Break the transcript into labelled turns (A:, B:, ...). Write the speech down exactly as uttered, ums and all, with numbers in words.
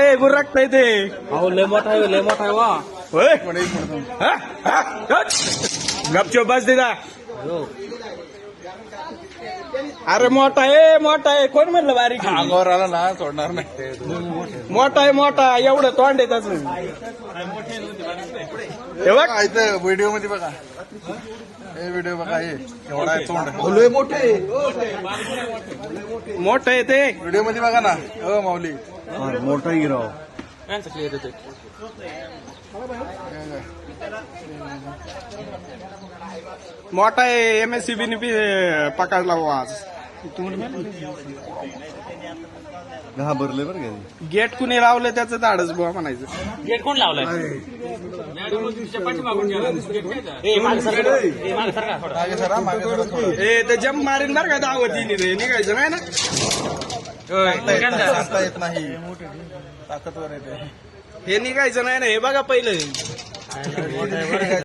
A: ते गुरकताय ते.
B: अहो लय मोठा आहे लय मोठा आहे वा.
A: होय हा? हा? हट. गपचूप बस दिदा. अरे मोठा आहे मोठा आहे कोण म्हणलं बारीक आहे?
C: अंगावर आला ना सोडणार नाही.
A: मोठा आहे मोठा एवढं तोंड आहे त्याचं. हे बघ
C: इथं व्हिडिओ मध्ये बघा हे व्हिडिओ बघा हे एवढा आहे तोंड.
A: मोठं आहे ते.
C: व्हिडिओ मध्ये बघा ना हो माऊली.
B: मोठा हिराव.
A: मोठा आहे M S C B B पकडला बुवा आज.
B: घाबरले बरं का.
A: गेट कुणी लावलं त्याचं धाडच बुवा म्हणायचं.
B: गेट कोण लावलाय.
C: मागे सरा मागे सरा थोडं.
A: ए ते जम मारीन बरं का दावतीने रे निघायचं नाही ना.
C: सांगता येत नाही ताकदवर येते.
A: हे निघायचं नाही ना हे बघा पहिलं.